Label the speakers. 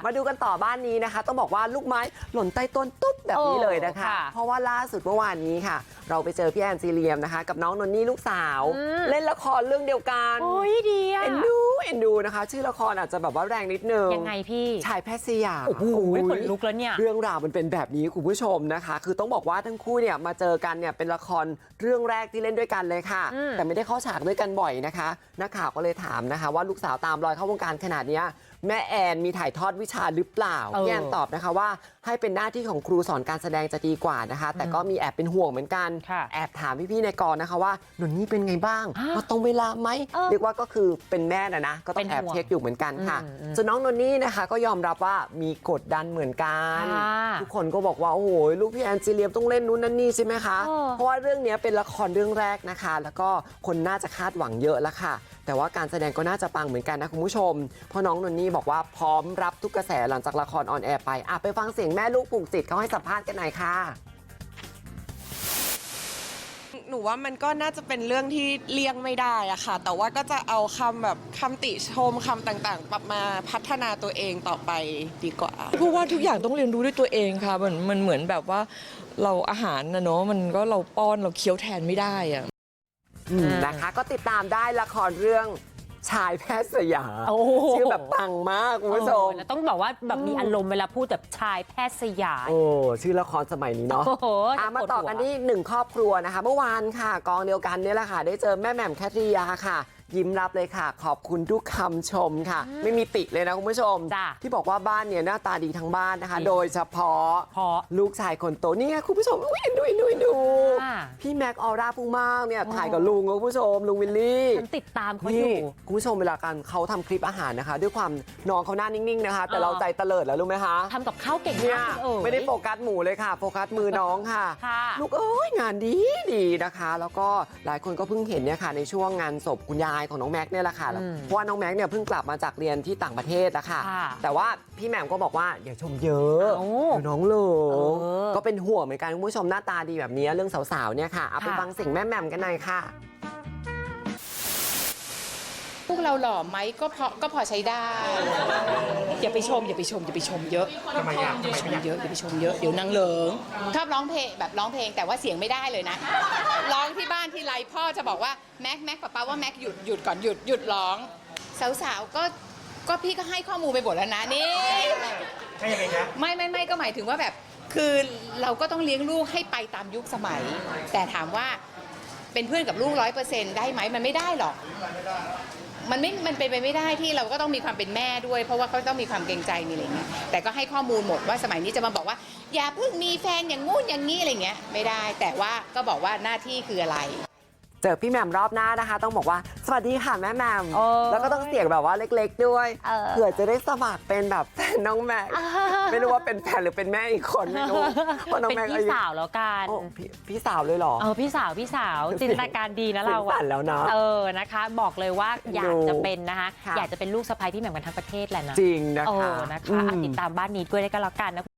Speaker 1: มาดูกันต่อบ้านนี้นะคะต้องบอกว่าลูกไม้หล่นใต้ต้นตุ๊บแบบนี้เลยนะคะ เพราะว่าล่าสุดเมื่อวานนี้ค่ะเราไปเจอพี่แอนซีเรียมนะคะกับน้องนนนี่ลูกสาวเล่นละครเรื่องเดียวกัน
Speaker 2: โอ้ยดีอะ
Speaker 1: เอ็นดูนะคะชื่อละครอาจจะแบบว่าแรงนิดนึง
Speaker 2: ยังไงพี่
Speaker 1: ชายแพทย์สยาม
Speaker 2: โอ้โหขนลุกแล้วเนี่ย
Speaker 1: เรื่องราวมันเป็นแบบนี้คุณผู้ชมนะคะคือต้องบอกว่าทั้งคู่เนี่ยมาเจอกันเนี่ยเป็นละครเรื่องแรกที่เล่นด้วยกันเลยค่ะแต่ไม่ได้เข้าฉากด้วยกันบ่อยนะคะนักข่าวก็เลยถามนะคะว่าลูกสาวตามรอยเข้าวงการขนาดนี้แม่แอนมีถ่ายทอดวิชาหรือเปล่าพี่แอนตอบนะคะว่าให้เป็นหน้าที่ของครูสอนการแสดงจะดีกว่านะคะแต่ก็มีแอบเป็นห่วงเหมือนกันแอบถามพี่ๆในกองนะคะว่าหนุนนี่เป็นไงบ้างมาตรงเวลาไหมเรียกว่าก็คือเป็นแม่นะก็ต้องแอบเช็คอยู่เหมือนกันค่ะส่วนน้องนนนี่นะคะก็ยอมรับว่ามีกดดันเหมือนกันทุกคนก็บอกว่าโอ้โหลูกพี่แอนซีเรียมต้องเล่นนู้นนั่นนี่ใช่ไหมคะเพราะว่าเรื่องนี้เป็นละครเรื่องแรกนะคะแล้วก็คนน่าจะคาดหวังเยอะแล้วค่ะแต่ว่าการแสดงก็น่าจะปังเหมือนกันนะคุณผู้ชมเพราะน้องนนนี่บอกว่าพร้อมรับทุกกระแสหลังจากละครออนแอร์ไปฟังเสียงแม่ลูกผูกจิตเขาให้สัมภาษณ์กันหน่อยค่ะ
Speaker 3: หนูว่ามันก็น่าจะเป็นเรื่องที่เลี่ยงไม่ได้อะค่ะแต่ว่าก็จะเอาคำติชมคำต่างๆปรับมาพัฒนาตัวเองต่อไปดีกว่า
Speaker 4: เพราะว่าทุกอย่างต้องเรียนรู้ด้วยตัวเองค่ะมันเหมือนแบบว่าเราอาหารนะเนาะมันก็เราป้อนเราเคี้ยวแทนไม่ได้อะ
Speaker 1: นะคะก็ติดตามได้ละครเรื่องชายแพทย์สยามชื่อแบบปังมากคุณผู้ชม
Speaker 2: ต้องบอกว่าแบบมีอารมณ์เวลาพูดแบบชายแพทย์สยาม
Speaker 1: ชื่อละครสมัยนี้เนาะมาต่อกันที่หนึ่งครอบครัวนะคะเมื่อวานค่ะกองเดียวกันเนี่ยแหละค่ะได้เจอแม่แหม่มแคทริยาค่ะยิ้มรับเลยค่ะขอบคุณทุกคำชมค่ะไม่มีติเลยนะคุณผู้ชมที่บอกว่าบ้านเนี่ยหน้าตาดีทั้งบ้านนะคะโดยเฉพาะลูกชายคนโตนี่ไงคุณผู้ชมดูพี่แม็กออร่าพุ่งมากเนี่ยถ่ายกับลุงคุณผู้ชมลุงวิลลี่
Speaker 2: ฉันติดตามเขาอยู่
Speaker 1: คุณผู้ชมเวลากันเขาทำคลิปอาหารนะคะด้วยความน้องเขาหน้านิ่งๆนะคะแต่เราใจเตลิดแล้วรู้ไหมคะ
Speaker 2: ทำกับข้าวเก่งมาก
Speaker 1: ไม่ได้โฟกัสหมูเลยค่ะโฟกัสมือน้องค่ะลูกงานดีนะคะแล้วก็หลายคนก็เพิ่งเห็นเนี่ยค่ะในช่วงงานศพคุณยายของน้องแม็กเนี่ยแหละค่ะเพราะว่าน้องแม็กเนี่ยเพิ่งกลับมาจากเรียนที่ต่างประเทศแล้วค่ะแต่ว่าพี่แหม่มก็บอกว่าอย่าชมเยอะน้องหลงก็เป็นห่วงเหมือนกันคุณผู้ชมหน้าตาดีแบบนี้เรื่องสาวๆเนี่ยค่ะเอาไปฟังเสียงแม่แหม่มกันหน่อยค่ะ
Speaker 5: พวกเราหล่อไหมก็พอใช้ได้อย่าไปชมเยอะทำไมอย่าไปชมเยอะอย่าไปชมเยอะเดี๋ยวนางเหลิงชอบร้องเพลงแบบร้องเพลงแต่ว่าเสียงไม่ได้เลยนะร้องที่บ้านที่ไรพ่อจะบอกว่าแม็กป้าว่าแม็กหยุดก่อนหยุดร้องสาวๆก็พี่ก็ให้ข้อมูลไปหมดแล้วนะนี่ใช่ยังไงคะไม่ก็หมายถึงว่าแบบคือเราก็ต้องเลี้ยงลูกให้ไปตามยุคสมัยแต่ถามว่าเป็นเพื่อนกับลูก100%ได้ไหมมันไม่ได้หรอกมันเป็นไปไม่ได้ที่เราก็ต้องมีความเป็นแม่ด้วยเพราะว่าเขาต้องมีความเกรงใจมีอะไรเงี้ยแต่ก็ให้ข้อมูลหมดว่าสมัยนี้จะมาบอกว่าอย่าเพิ่งมีแฟนอย่างงู้นอย่างนี้อะไรเงี้ยไม่ได้แต่ว่าก็บอกว่าหน้าที่คืออะไร
Speaker 1: เจอพี่แหม่มรอบหน้านะคะต้องบอกว่าสวัสดีค่ะแม่แหม่มแล้วก็ต้องเสียงแบบว่าเล็กๆด้วยเผื่อจะได้สมัครเป็นแบบแฟนน้องแม็กไม่รู้ว่าเป็นแฟนหรือเป็นแม่อีกคนไม่รู้
Speaker 2: ว่าน้องแม็กเป็นพี่สาวแล้วกัน
Speaker 1: พี่สาวเลยเหรอ
Speaker 2: พี่สาวจินตนาการดีนะเรา
Speaker 1: อะแล้วนะ
Speaker 2: นะคะบอกเลยว่าอยากจะเป็นนะคะอยากจะเป็นลูกสะใภ้พี่แหม่มกันทั้งประเทศแหละนะ
Speaker 1: จริงนะคะ
Speaker 2: ติดตามบ้านนี้ด้วยได้ก็แล้วกันนะ